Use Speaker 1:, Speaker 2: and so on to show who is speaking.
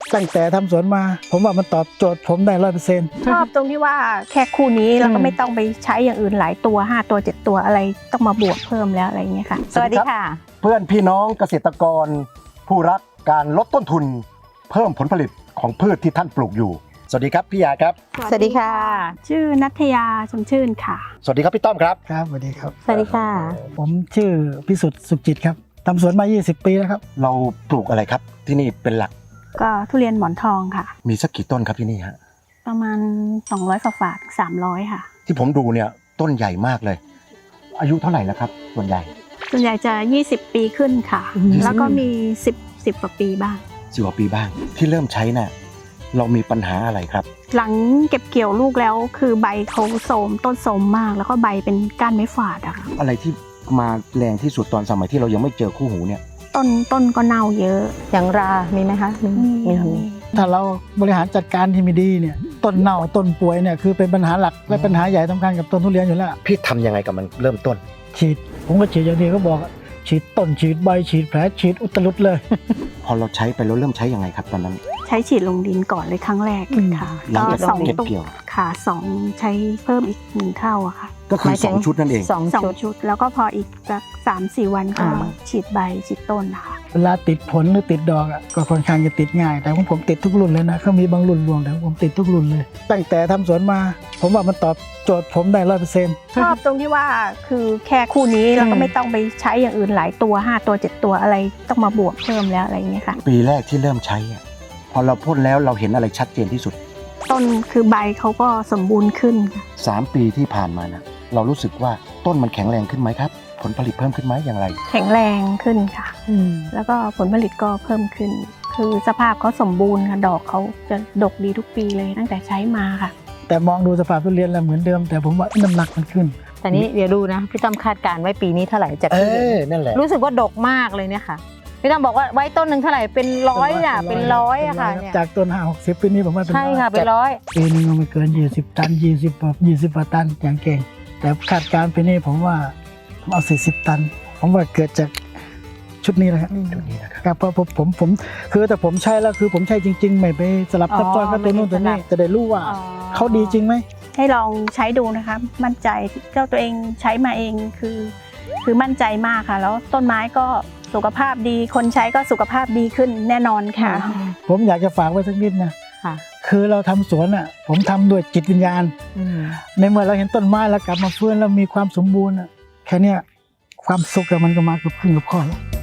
Speaker 1: ตั้งแต่ทำสวนมาผมว่ามันตอบโจทย์ผมได้100%
Speaker 2: ชอบตรงที่ว่าแค่คู่นี้เราก็ไม่ต้องไปใช้อย่างอื่นหลายตัว5ตัว7ตัวอะไรต้องมาบวกเพิ่มแล้วอะไรอย่างเงี้ยค่ะ
Speaker 3: สวัสดีค่ะ
Speaker 4: เพื่อนพี่น้องเกษตรกร ผู้รักการลดต้นทุน เพิ่มผลผลิตของพืชที่ท่านปลูกอยู่สวัสดีครับพี่ยาครับ
Speaker 3: สวัสดีค่ะ
Speaker 2: ชื่อนัทยาชมชื่นค่ะ
Speaker 4: สวัสดีครับพี่ต้อมครับ
Speaker 1: ครับสวัสดีครับ
Speaker 3: สวัสดีค่ะ
Speaker 1: ผมชื่อพิสุทธิ์สุขจิตครับทำสวนมา20 ปีแล้วครับ
Speaker 4: เราปลูกอะไรครับที่นี่เป็นหลัก
Speaker 2: ก็ทุเรียนหมอนทองค่ะ
Speaker 4: มีสักกี่ต้นครับที่นี่ฮะ
Speaker 2: ประมาณ200ฝา300ค่ะ
Speaker 4: ที่ผมดูเนี่ยต้นใหญ่มากเลย อายุเท่าไหร่แล้วครับส่วนใหญ่
Speaker 2: ส่วนใหญ่จะ20ปีขึ้นค่ะ
Speaker 4: 20
Speaker 2: แล้วก็มี10กว่าปีบ้าง
Speaker 4: 10 กว่าปีบ้างที่เริ่มใช้น่ะเรามีปัญหาอะไรครับ
Speaker 2: หลังเก็บเกี่ยวลูกแล้วคือใบเขาโทรมต้นโทรมมาก แล้วก็ใบเป็นก้านไม้ฝาดอะค่ะ
Speaker 4: อะไรที่มาแรงที่สุดตอนสมัยที่เรายังไม่เจอคู่หูเนี่ย
Speaker 2: ต้นก็เน่าเยอะ
Speaker 3: อย่างรามีไหมคะมี
Speaker 2: ค่ะ
Speaker 1: ถ้าเราบริหารจัดการที่ไม่ดีเนี่ยต้นเน่าต้นป่วยเนี่ยคือเป็นปัญหาหลักและปัญหาใหญ่สำคัญกับต้นทุเรียนอยู่แล้ว
Speaker 4: พี่ทำยังไงกับมันเริ่มต้น
Speaker 1: ฉีดผมก็ฉีดอย่างที่เขาบอกฉีดต้นฉีดใบฉีดแผลฉีดอุตลุดเลย
Speaker 4: พอเราใช้ไปเราเริ่มใช้ยังไงครับตอนนั้น
Speaker 2: ใช้ฉีดลงดินก่อนเลยครั้งแรกเลยค่ะ
Speaker 4: หลัง
Speaker 2: ก็
Speaker 4: จาก
Speaker 2: สอง
Speaker 4: เก็บ
Speaker 2: ตุก
Speaker 4: เกี่ยว
Speaker 2: ค่ะ2ใช้เพิ่มอีก1เท่าอะค่ะ
Speaker 4: ก็คือ2ชุดนั่นเอง
Speaker 3: สอง
Speaker 2: สอง
Speaker 3: ชุด
Speaker 2: ชุดแล้วก็พออีกสัก3-4 วันก็
Speaker 3: อ่า
Speaker 2: ฉีดใบฉีดต้นนะคะ
Speaker 1: เวลาติดผลหรือติดดอกอะก็ค่อนข้างจะติดง่าย แต่ของผมติดทุกรุ่นเลยนะเขามีบางรุ่นรวงแต่ของผมติดทุกรุ่นเลย ตั้งแต่ทำสวนมา ผมว่ามันตอบโจทย์ผมได้100%
Speaker 2: ชอบตรงที่ว่าคือแค่คู่นี้เราก็ไม่ต้องไปใช้อย่างอื่นหลายตัว5ตัว7ตัวอะไรต้องมาบวกเพิ่มแล้วอะไรอย่างเงี้ยค่ะ
Speaker 4: ปีแรกที่เริ่มใช้อะพอเราพ่นแล้วเราเห็นอะไรชัดเจนที่สุด
Speaker 2: ต้นคือใบเขาก็สมบูรณ์ขึ้นค่ะ
Speaker 4: 3 ปีที่ผ่านมานะเรารู้สึกว่าต้นมันแข็งแรงขึ้นไหมครับ ผลผลิตเพิ่มขึ้นไหมอย่างไร
Speaker 2: แข็งแรงขึ้นค่ะ แล้วก็ผลผลิตก็เพิ่มขึ้น คือสภาพเขาสมบูรณ์ค่ะดอกเขาจะดกดีทุกปีเลยตั้งแต่ใช้มาค่ะ
Speaker 1: แต่มองดูสภาพทุเรียนแล้วเหมือนเดิม แต่ผมว่าน้ำหนักมันขึ้น
Speaker 3: แต่นี้เดี๋ยวดูนะพี่ต้อมคาดการณ์ไว้ปีนี้เท่าไหร่จากที่เห็น
Speaker 4: นั่นแหละ
Speaker 3: รู้สึกว่าดกมากเลยเนี่ยค่ะพี่ต้อมบอกว่าไว้ต้นหนึ่งเท่าไหร่เป็นร้อยอ่ะเป็นร้อยอะค่ะเนี่ย
Speaker 1: จากต้น5-60ปีนี้ผมว่าเป็น
Speaker 3: ใช่ค่ะ
Speaker 1: ร้อย
Speaker 3: เป็นร้อย
Speaker 1: ปีนึงไม่เกิน20 ตัน20กว่าตันอย่างเก่ง แต่คาดการณ์ปีนี้ผมว่าผมเอา40 ตัน ผมว่าเกิดจากชุดนี้แหละครับ
Speaker 4: จุดนี้นะครับ
Speaker 1: ครับเพราะผมคือแต่ผมใช้แล้วคือผมใช้จริง ๆ ไม่ไปสลับซับซ้อนกับตัวนู้นตัวนี้จะได้รู้ว่าเขาดีจริงไหม
Speaker 2: ให้ลองใช้ดูนะคะมั่นใจเจ้าตัวเองใช้มาเองคือมั่นใจมากค่ะ แล้วต้นไม้ก็สุขภาพดีคนใช้ก็สุขภาพดีขึ้นแน่นอนค่ะ
Speaker 1: ผมอยากจะฝากไว้สักนิดนะ
Speaker 3: ค่ะ
Speaker 1: คือเราทำสวนอ่ะผมทำด้วยจิตวิญญาณ ในเมื่อเราเห็นต้นไม้แล้วกลับมาฟื้นแล้วมีความสมบูรณ์อะแค่เนี้ยความสุขอะมันก็มาเกือบครึ่งกับข้อแล้ว